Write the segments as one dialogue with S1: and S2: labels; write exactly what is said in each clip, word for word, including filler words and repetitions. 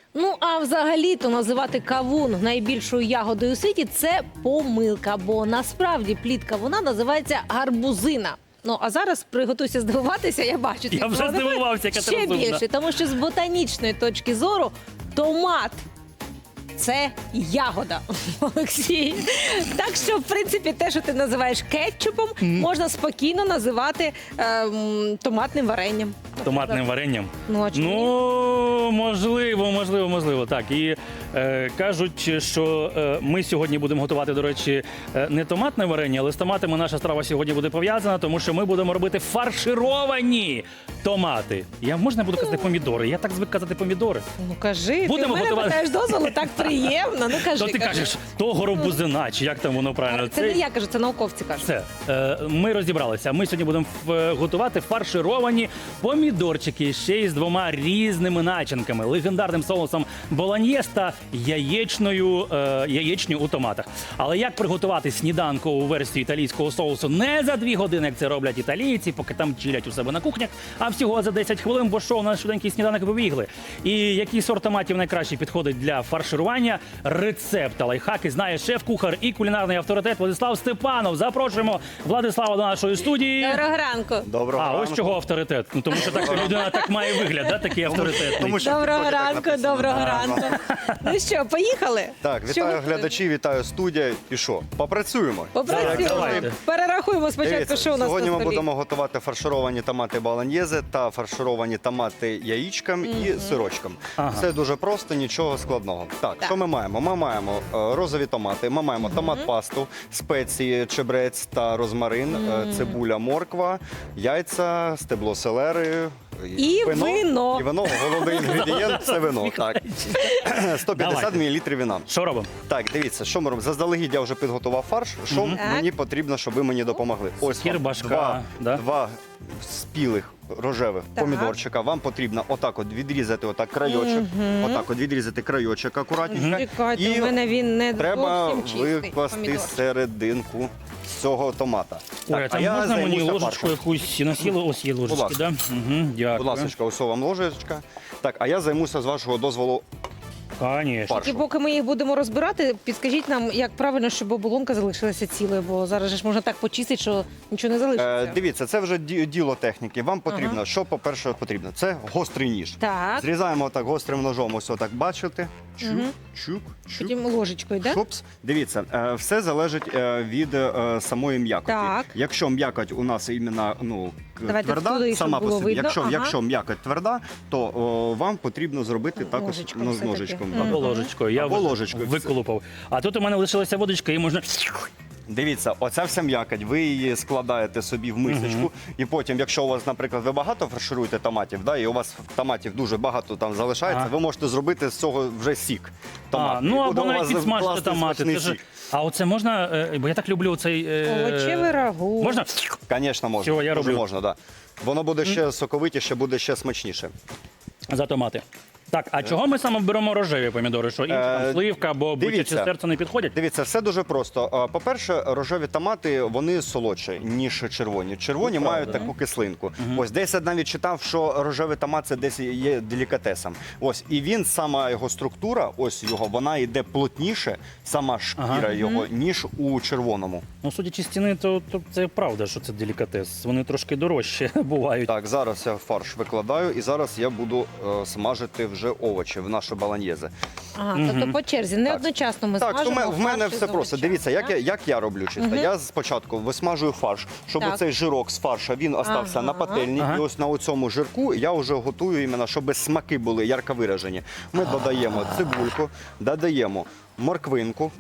S1: Ну, а взагалі-то називати кавун найбільшою ягодою у світі – це помилка, бо насправді плід кавуна називається гарбузина. Ну, а зараз приготуйся здивуватися, я бачу.
S2: Я вже
S1: твій
S2: здивувався, яка ти
S1: ще
S2: розумна.
S1: більше, тому що з ботанічної точки зору томат – це ягода, Олексій. Так що, в принципі, те, що ти називаєш кетчупом, можна спокійно називати ем, томатним варенням.
S2: Томатним варенням?
S1: Ну, а чому ні?
S2: Ну, можливо, можливо, можливо. Так, і е, кажуть, що е, ми сьогодні будемо готувати, до речі, е, не томатне варення, але з томатами наша страва сьогодні буде пов'язана, тому що ми будемо робити фаршировані томати. Я можна буду казати помідори? Я так звик казати помідори.
S1: Ну, кажи,
S2: Будемо
S1: ти в мене
S2: готувати.
S1: питаєш дозволу, так приємно. Ну, кажи,
S2: То ти
S1: кажи.
S2: кажеш, то горобузина, чи як там воно правильно?
S1: Це не я кажу, це науковці кажуть.
S2: Все, е, ми розібралися. Ми сьогодні будемо ф- готувати фаршировані помідорчики ще й з двома різними начинками: легендарним соусом болоньєз та яєчною е, яєчню у томатах. Але як приготувати сніданкову версію італійського соусу не за дві години, як це роблять італійці, поки там чилять у себе на кухнях, а всього за десять хвилин, бо що у нас швиденький сніданок побігли. І який сорт томатів найкраще підходить для фарширування? Рецепт та лайфхаки знає шеф-кухар і кулінарний авторитет Владислав Степанов. Запрошуємо Владислава до нашої студії.
S1: Доброго ранку.
S3: Доброго
S2: А,
S3: ранку.
S2: ось чого авторитет. Ну, тому що так людина так має вигляд, да, такий авторитетний.
S3: Тому що
S1: Доброго
S3: в тіктокі так
S1: ранку,
S3: написано.
S1: доброго
S3: Ага.
S1: ранку. Ну що, поїхали?
S3: Так,
S1: Що
S3: вітаю
S1: готуємо?
S3: глядачів, вітаю студія. І що? Попрацюємо.
S1: Попрацюємо.
S2: Давайте.
S1: Перерахуємо спочатку,
S3: Дивіться,
S1: що у нас
S3: сьогодні
S1: на
S3: ми
S1: столі.
S3: будемо готувати фаршировані томати болоньєзе та фаршировані томати яєчком і сирочком.
S2: Ага.
S3: Все дуже просто, нічого складного. Так,
S1: Так.
S3: що ми маємо? Ми маємо е, розові томати, ми маємо томат-пасту, спеції, чебрець та розмарин, е, цибуля, морква, яйця, стебло селери.
S1: І вино.
S3: І вино, головний інгредієнт – це вино. Так. сто п'ятдесят
S2: Давайте.
S3: мілілітрів віна.
S2: Що робимо?
S3: Так, дивіться, що ми робимо. Заздалегідь я вже підготував фарш. Що
S1: Так.
S3: мені потрібно, щоб ви мені допомогли? Ось вам
S2: Кірбашка,
S3: два,
S2: да?
S3: два спілих рожевих
S1: Так.
S3: помідорчика. Вам потрібно отак от відрізати отак крайочок. Отак от відрізати крайочок акуратненько.
S1: Чекайте,
S3: І
S1: у мене він не
S3: треба
S1: зовсім чистий
S3: викласти
S1: помідор.
S3: серединку цього томата.
S2: Ой, а там можна мені
S3: займуся
S2: ложечку
S3: фаршем.
S2: якусь насіло? Ось є ложечки,
S3: ласка.
S2: да? Угу, дякую.
S3: Будь ласка, ось вам ложечка. Так, а я займуся з вашого дозволу
S2: Конечно.
S3: фаршем.
S1: І поки ми їх будемо розбирати, підскажіть нам, як правильно, щоб оболонка залишилася цілою, бо зараз же ж можна так почистити, що нічого не залишиться.
S3: Е, дивіться, це вже ді- діло техніки. Вам потрібно, що, по-перше, потрібно? Це гострий ніж.
S1: Так,
S3: Зрізаємо так гострим ножом, ось отак, бачите? Чук,
S1: Мгм.
S3: чук, чук.
S1: потім ложечкою, так?
S3: Шупс. Дивіться, е, все залежить е, від е, самої м'якоті.
S1: Так.
S3: Якщо м'якоть у нас іменно ну, к-
S1: Давайте
S3: тверда,
S1: туди, щоб
S3: сама по
S1: було
S3: собі,
S1: видно.
S3: якщо,
S1: Ага.
S3: якщо м'якоть тверда, то о, вам потрібно зробити також
S1: Ложечком
S3: ну, з
S1: все-таки.
S3: ножичком.
S1: Мгм.
S3: так.
S2: Або ложечкою. Я
S3: Або
S2: ви-
S3: ложечкою.
S2: виколупав. А тут у мене лишилася водочка, і можна...
S3: Дивіться, оця вся м'якоть, ви її складаєте собі в мисочку, і потім, якщо у вас, наприклад, ви багато фаршируєте томатів, да, і у вас томатів дуже багато там залишається,
S2: Ага.
S3: ви можете зробити з цього вже сік.
S2: А,
S3: томатний.
S2: ну
S3: І
S2: або
S3: буде у
S2: навіть
S3: вас
S2: підсмажити
S3: класний
S2: томати.
S3: смачний
S2: Це ж-
S3: сік.
S2: А оце можна, е, бо я так люблю цей... е,
S1: Овочеве рагу.
S2: Можна?
S3: Звісно, можна.
S2: Всього я
S3: Дуже
S2: роблю.
S3: можна, да. Воно буде ще соковитіше, буде ще смачніше.
S2: За томати. Так, а чого ми саме беремо рожеві помідори? Що інші там
S3: Е,
S2: сливка або бичаче
S3: дивіться.
S2: серце не підходять?
S3: Дивіться, все дуже просто. А, По-перше, рожеві томати вони солодші, ніж червоні. Червоні
S2: Ну,
S3: мають
S2: правда.
S3: таку кислинку. Ось десь я навіть читав, що рожевий томат це десь є делікатесом. Ось і він, сама його структура, ось його, вона йде плотніше, сама шкіра
S2: Ага.
S3: його, ніж у червоному.
S2: Ну, судячи з ціни, то, то це правда, що це делікатес. Вони трошки дорожчі бувають.
S3: Так, зараз я фарш викладаю, і зараз я буду е, смажити вже овочі в наше баланьєзе.
S1: Ага, тобто по черзі, не
S3: Так.
S1: одночасно ми
S3: Так, то
S1: смажимо
S3: в мене
S1: фарш із
S3: все просто.
S1: овочами,
S3: Дивіться, як
S1: так?
S3: я, як я роблю чисто. Я спочатку висмажую фарш, щоб
S1: Так.
S3: цей жирок з фарша він остався
S1: Ага.
S3: на пательні.
S2: Ага.
S3: І ось на цьому жирку я вже готую іменно, щоб смаки були ярко виражені. Ми додаємо цибульку, додаємо морквинку.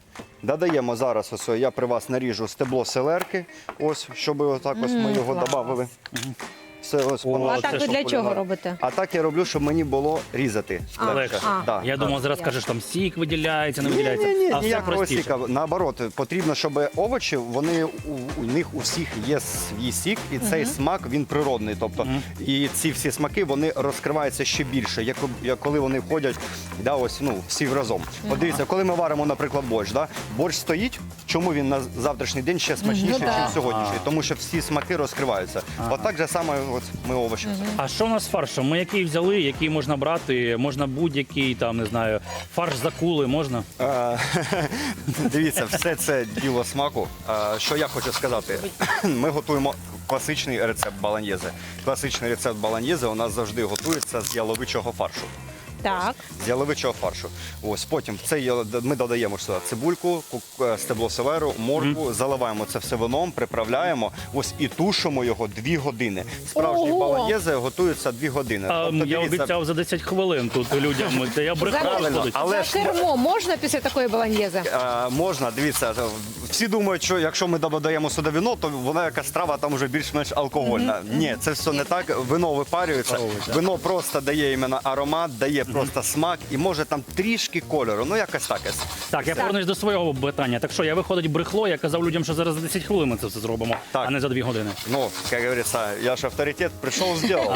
S3: Додаємо зараз, ось я при вас наріжу стебло селерки, ось, щоб отак ось ми його
S1: клас.
S3: додали. Все, ось,
S2: О,
S3: воно
S1: А
S2: це
S1: так ви
S2: що
S1: для чого
S3: полягає.
S1: робите?
S3: А так я роблю, щоб мені було різати.
S1: А,
S3: легше.
S1: а.
S3: Да.
S2: Я думав, зараз кажеш, там сік виділяється, не виділяється.
S3: Ні, ні, ні,
S2: а все
S3: ніякого
S2: простіше.
S3: сіка. Наоборот, потрібно, щоб овочі, вони у, у них у всіх є свій сік, і цей смак він природний. Тобто, і ці всі смаки вони розкриваються ще більше, як, як коли вони входять, да, ось ну всі разом. От дивіться, коли ми варимо, наприклад, борщ, да, борщ стоїть чому він на завтрашній день ще смачніший,
S1: Ну, да.
S3: ніж сьогоднішній? Тому що всі смаки розкриваються. Отак же саме от ми овочі.
S2: А що у нас з фаршем? Ми який взяли, який можна брати? Можна будь-який, там, не знаю, фарш з акули можна?
S3: Е, Дивіться, все це діло смаку. Е, Що я хочу сказати? Ми готуємо класичний рецепт баланьєзе. Класичний рецепт баланьєзе у нас завжди готується з яловичого фаршу.
S1: Так.
S3: З яловичого фаршу. Ось потім в це ял- ми додаємо сюди цибульку, ку- е, стебло селеру, моркву, заливаємо це все вином, приправляємо. Ось і тушимо його дві години. Справжній
S1: Ого!
S3: баланьєзе готується дві години.
S2: А,
S3: Тобто,
S2: я
S3: дивіться,
S2: обіцяв за десять хвилин тут людям. Та я брехав.
S1: Правильно,
S2: виходить.
S3: але
S1: За
S3: ж
S1: кермо можна після такої баланьєзи?
S3: Е, можна, дивіться, всі думають, що якщо ми додаємо сюди вино, то вона якась страва там вже більш-менш алкогольна. Ні, це все не так. Вино випарюється,
S2: Випаровується.
S3: вино просто дає іменно аромат, дає просто смак і може там трішки кольору. Ну якось так.
S2: Так, я повернусь до свого питання. Так що, я виходить брехло, я казав людям, що зараз за десять хвилин ми це все зробимо,
S3: Так.
S2: а не за дві години.
S3: Ну, як говориться, я ж авторитет, прийшов, зробив.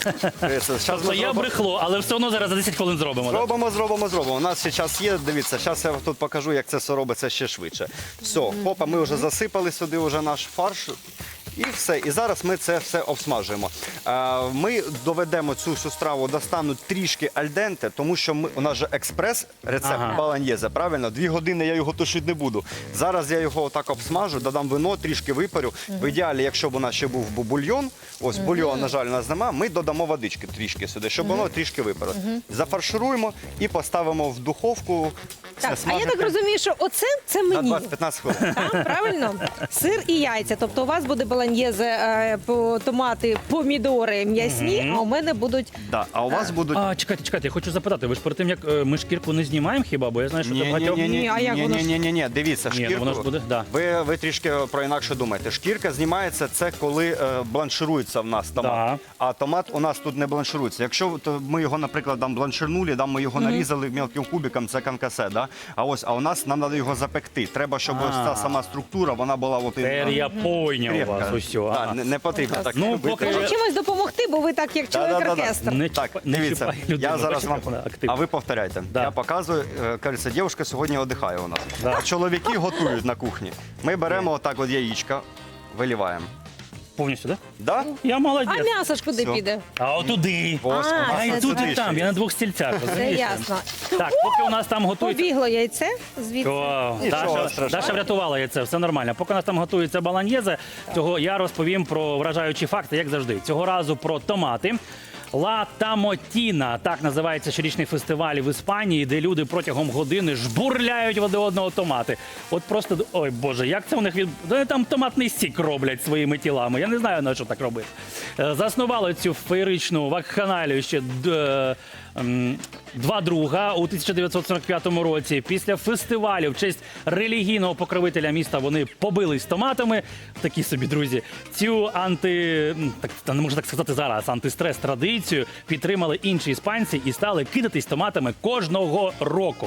S3: Зараз
S2: То
S3: ми
S2: я
S3: зробимо.
S2: брехло, але все одно зараз за десять хвилин зробимо. так?
S3: Зробимо, зробимо, зробимо. У нас ще час є. Дивіться, зараз я тут покажу, як це все робиться ще швидше. Все, хопа, ми вже засипали сюди вже наш фарш. І все. І зараз ми це все обсмажуємо. Е, Ми доведемо цю всю страву до стану трішки альденте, тому що ми, у нас же експрес рецепт
S2: Ага.
S3: баланьєзе, правильно? Дві години я його тушити не буду. Зараз я його отак обсмажу, додам вино, трішки випарю. В ідеалі, якщо б у нас ще був бу- бульйон, ось бульйон, на жаль, у нас нема, ми додамо водички трішки сюди, щоб воно трішки випарило. Зафаршируємо і поставимо в духовку. Це
S1: Так, а я
S3: смажити
S1: так розумію, що оце це
S3: на
S1: мені.
S3: двадцять-п'ятнадцять хвилин.
S1: Так, правильно? Сир і яйця. Тобто у вас буде баланьєзе, е, по- томати, помідори м'ясні, а у мене будуть
S3: Да. А у вас будуть.
S2: А, чекайте, чекайте, я хочу запитати, ви ж перед тим, як е, ми шкірку не знімаємо хіба? Бо я знаю, що це багатьох...
S1: Ні, а як воно ж?
S3: ні, ні, ні, дивіться,
S2: Ні, ну
S3: шкірку.
S2: воно ж буде, да.
S3: Ви, ви трішки про інакше думаєте. Шкірка знімається це коли е, бланширується в нас томат.
S2: Да.
S3: А томат у нас тут не бланширується. Якщо то ми його, наприклад, там бланширнули, там ми його нарізали мілким кубиком, це канкасе, да? А ось, а у нас нам треба його запекти. Треба, щоб
S2: А.
S3: ось ця сама структура, вона була от
S2: Тепер я пойняв
S3: крепка.
S2: вас усьо.
S3: Да,
S2: ага.
S3: не, не потрібно так.
S2: Ну,
S3: робити.
S2: поки-
S1: Може чимось допомогти, бо ви так як чоловік
S3: Да-да-да-да.
S1: оркестр.
S2: Не
S3: Так,
S2: чіпай- не
S3: дивіться,
S2: чіпай людину,
S3: я зараз
S2: бачите,
S3: вам...
S2: як вона активна.
S3: А ви повторяйте.
S2: Да.
S3: Я показую, е, кажеться, дівчинка сьогодні віддихає у нас.
S2: Да.
S3: А чоловіки готують на кухні. Ми беремо отак от яєчка, виліваємо.
S2: Повністю, так?
S3: Да?
S2: Я
S1: А
S2: молодець.
S1: м'ясо ж куди
S3: Все.
S1: піде?
S2: А отуди.
S3: Ось,
S1: А,
S3: у нас
S2: А і
S1: це
S2: тут, і
S3: сюди
S2: там,
S3: ще
S2: я на двох стільцях,
S1: Це
S2: розумієш?
S1: ясно.
S2: Так, поки у нас там готується...
S1: Побігло яйце звідси.
S2: О,
S3: Нічого
S2: Даша,
S3: страшного.
S2: Даша врятувала яйце, все нормально. Поки у нас там готується баланьєзе, цього я розповім про вражаючі факти, як завжди. Цього разу про томати. Ла Тамотіна, так називається щорічний фестиваль в Іспанії, де люди протягом години жбурляють один одного томати. От просто, ой Боже, як це у них від... Вони там томатний сік роблять своїми тілами. Я не знаю, на що так робити. Е, Заснували цю феєричну вакханалію ще д- ем, два друга у тисяча дев'ятсот сорок п'ятому році. Після фестивалю в честь релігійного покровителя міста вони побились томатами. Такі собі, друзі. Цю анти... м, так, та не можу так сказати зараз, антистрес традицію підтримали інші іспанці і стали кидатись томатами кожного року.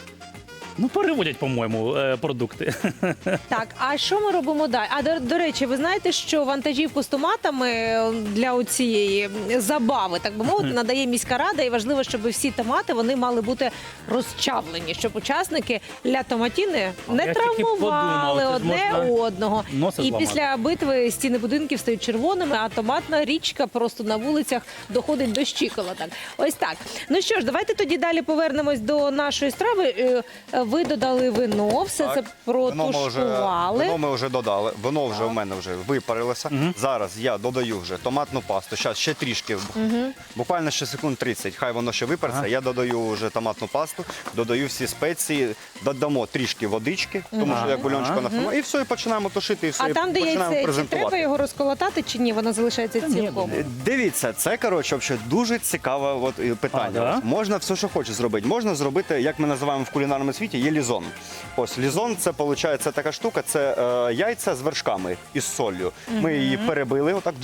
S2: Ну, переводять, по-моєму, е, продукти.
S1: Так, а що ми робимо далі? А до, до речі, ви знаєте, що вантажівку з томатами для цієї забави, так би мовити, надає міська рада, і важливо, щоб всі томати вони мали бути розчавлені, щоб учасники ля томатіни не
S2: я тільки
S1: травмували
S2: подумав, це ж
S1: одне
S2: можна
S1: одного.
S2: носа
S1: І
S2: зламати.
S1: після битви стіни будинків стають червоними, а томатна річка просто на вулицях доходить до щиколоток. Ось так. Ну що ж, давайте тоді далі повернемось до нашої страви. Е, Ви додали вино, все
S3: Так.
S1: це
S3: Вино ми вже,
S1: протушкували.
S3: вино ми вже додали. Вино вже в мене вже випарилося. Зараз я додаю вже томатну пасту. Зараз ще трішки, буквально ще секунд тридцять. Хай воно ще випариться. Я додаю вже томатну пасту, додаю всі спеції, додамо трішки водички, тому що я бульончика нафармую. І все, і починаємо тушити, і все,
S1: А
S3: і
S1: там, де
S3: починаємо
S1: яйце, чи
S3: презентувати.
S1: треба його розколотати, чи ні? Воно залишається цілком.
S3: Е, Дивіться, це коротше взагалі дуже цікаве от, е, питання.
S2: А, да?
S3: Ось можна все, що хочеш зробити. Можна зробити, як ми називаємо в кулінарному світі, є лізон. Ось лізон, це виходить така штука, це е, яйця з вершками із солью. Ми її перебили, отак,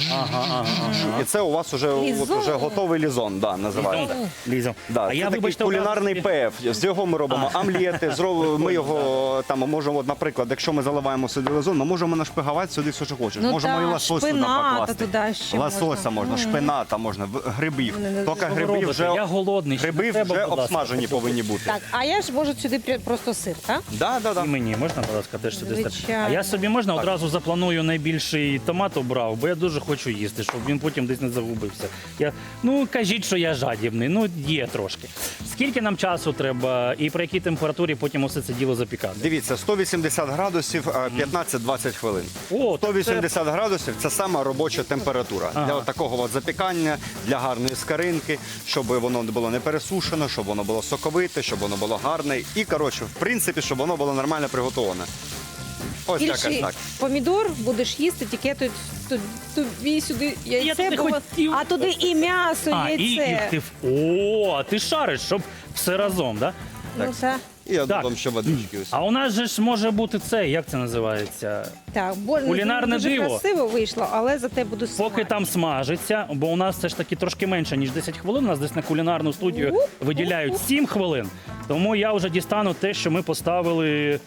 S3: і це у вас уже, от,
S1: Лізон?
S3: уже готовий лізон, да, називається.
S2: Лізом.
S3: Да,
S2: а
S3: це
S2: я,
S3: такий
S2: вибачте,
S3: кулінарний
S2: одразу-
S3: пеф. З його ми робимо омлети, зробимо, ми його там можемо, от, наприклад, якщо ми заливаємо сюди лизон, ми можемо нашпиговати сюди все, що хочеш.
S1: Ну
S3: можемо
S1: так,
S3: і лосось туди
S1: шпината
S3: покласти.
S1: туди ще
S3: Лосося
S1: можна.
S3: можна, шпината можна, в- грибів.
S1: Ну, не
S3: Тільки
S1: знаю.
S3: гриби
S2: Робите,
S3: вже,
S2: я голодний, ще
S3: гриби
S2: не треба,
S3: вже
S2: будь ласка.
S3: обсмажені повинні бути.
S1: Так, а я ж можу сюди при- просто сир, так?
S3: Да, да, да.
S2: І мені можна, будь ласка, теж сюди стати?
S1: Звичайно.
S2: А я собі можна
S3: Так.
S2: одразу запланую найбільший томат обрав, бо я дуже хочу їсти, щоб він потім десь не загубився. Я, ну, кажіть, що я жадібний, ну є трошки. Скільки нам часу треба і при якій температурі потім усе це діло запікати?
S3: Дивіться, сто вісімдесят градусів, е, п'ятнадцять-двадцять хвилин.
S2: О,
S3: сто вісімдесят градусів це сама робоча температура
S2: Ага.
S3: для от такого от запікання, для гарної скаринки, щоб воно не було не пересушено, щоб воно було соковите, щоб воно було гарне. І коротше, в принципі, щоб воно було нормально приготоване. Ось якось
S1: Більший
S3: так.
S1: помідор будеш їсти, тільки тут, тут тобі сюди яйце,
S2: туди
S1: бо-
S2: хотів.
S1: а туди і м'ясо,
S2: А, і, і
S1: яйце.
S2: ти в- О, а ти шариш, щоб все разом, да?
S1: Ну, це,
S3: І я
S2: Так.
S3: додам ще водички. Ось.
S2: А у нас же ж може бути це, як це називається?
S1: так, бо
S2: Кулінарне
S1: дуже
S2: диво.
S1: красиво вийшло, але зате буду
S2: Поки
S1: смачно.
S2: там смажиться, бо у нас все ж таки трошки менше, ніж десять хвилин. У нас десь на кулінарну студію
S1: Ух,
S2: виділяють
S1: ух,
S2: сім хвилин. Тому я вже дістану те, що ми поставили.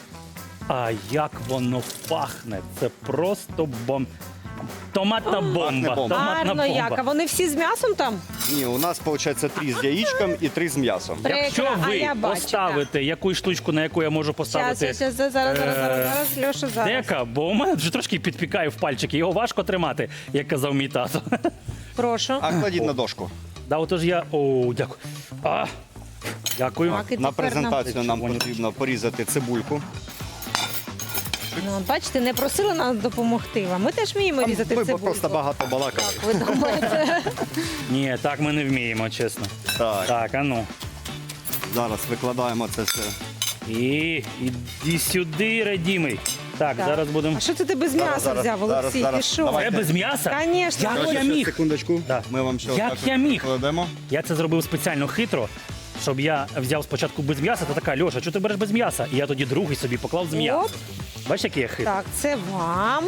S2: А як воно пахне! Це просто бом... Томатна бомба.
S3: бомба.
S2: Томатна
S1: Гарно як, а
S2: бомба.
S1: вони всі з м'ясом там?
S3: Ні, у нас виходить три з яєчком і три з м'ясом.
S1: Прикро,
S2: Якщо
S1: а
S2: ви
S1: я бачу,
S2: поставите якусь штучку, на яку я можу
S1: Зараз,
S2: поставити
S1: зараз, зараз, зараз, зараз,
S2: е,
S1: зараз, Льоша, зараз.
S2: дека, бо у мене вже трошки підпікає в пальчики. Його важко тримати, як казав мій тато.
S1: Прошу.
S3: А кладіть на дошку.
S2: Да, отож я. О, дякую. А, дякую.
S1: Так, і
S3: На
S1: тепер нам-
S3: презентацію нам
S2: Червоні.
S3: потрібно порізати цибульку.
S1: Ну, от бачите, не просили нас допомогти вам. Ми теж вміємо різати
S3: Ми
S1: цибульку.
S3: просто багато балакали.
S1: Ви думаєте?
S2: Ні, так ми не вміємо, чесно.
S3: Так,
S2: Так, а ну.
S3: зараз викладаємо це все.
S2: І іди сюди, радімий. Так,
S1: Так.
S2: зараз будемо.
S1: А що це ти без м'яса
S3: зараз,
S1: взяв,
S3: зараз,
S1: Олексій?
S3: зараз.
S1: Ти що?
S3: Давай.
S2: Це без м'яса?
S1: Конечно.
S2: Як
S1: Ось.
S2: я
S3: Ще
S2: міг?
S3: секундочку.
S2: Да.
S3: Ми вам ще
S2: Як
S3: отак
S2: я
S3: от
S2: міг?
S3: кладемо.
S2: Я це зробив спеціально хитро, щоб я взяв спочатку без м'яса, та така, Льоша, чого ти береш без м'яса? І я тоді другий собі поклав з м'ясом.
S1: Оп.
S2: Бачиш, який я хитрий?
S1: Так, це вам.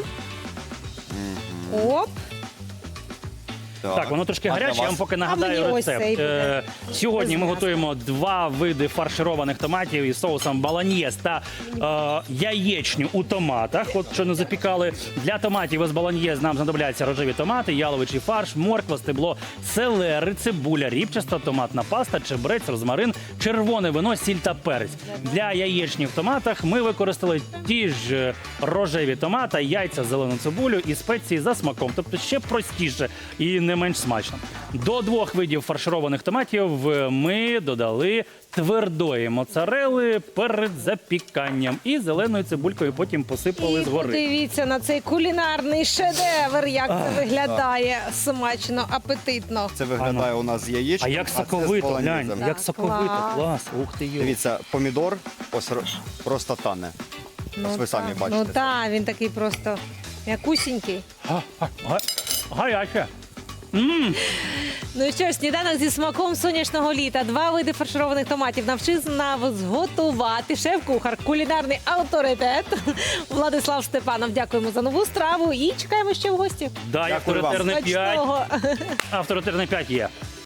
S1: Оп.
S2: Так, воно трошки
S3: А для
S2: гаряче, я вам
S3: вас?
S2: поки
S1: А
S2: нагадаю
S1: мені ось
S2: рецепт.
S1: цей буде.
S2: Е, Сьогодні ми
S1: Без
S2: готуємо два види фаршированих томатів із соусом баланьєз та е, яєчню у томатах. От що не запікали. Для томатів із баланьєз нам знадобляться рожеві томати, яловичий фарш, морква, стебло, селери, цибуля, рібчаста, томатна паста, чебрець, розмарин, червоне вино, сіль та перець. Для яєчні в томатах ми використали ті ж е, рожеві томати, яйця, зелену цибулю і спеції за смаком. Тобто ще простіше і не менш смачно. До двох видів фаршированих томатів ми додали твердої моцарели перед запіканням і зеленою цибулькою потім посипали
S1: І
S2: згори.
S1: подивіться на цей кулінарний шедевр, як це виглядає смачно, апетитно.
S3: Це виглядає у нас з яєчком.
S2: А як
S3: це з
S2: соковито,
S3: полонезом.
S2: глянь,
S1: Так,
S2: як соковито,
S1: клас.
S2: клас, ух ти йо.
S3: Дивіться, помідор ось ро- просто тане. Ось ви самі
S1: так.
S3: бачите.
S1: Ну так, він такий просто м'якусінький.
S2: Га- га- га- Гаряче. Мм,
S1: Ну що ж, сніданок зі смаком сонячного літа. Два види фаршированих томатів навчив нас зготувати шеф-кухар, кулінарний авторитет Владислав Степанов. Дякуємо за нову страву і чекаємо ще в гості.
S2: дай
S3: Дякую вам.
S2: авторитетне п'ять.
S1: Смачного!
S2: Авторитетне п'ять є.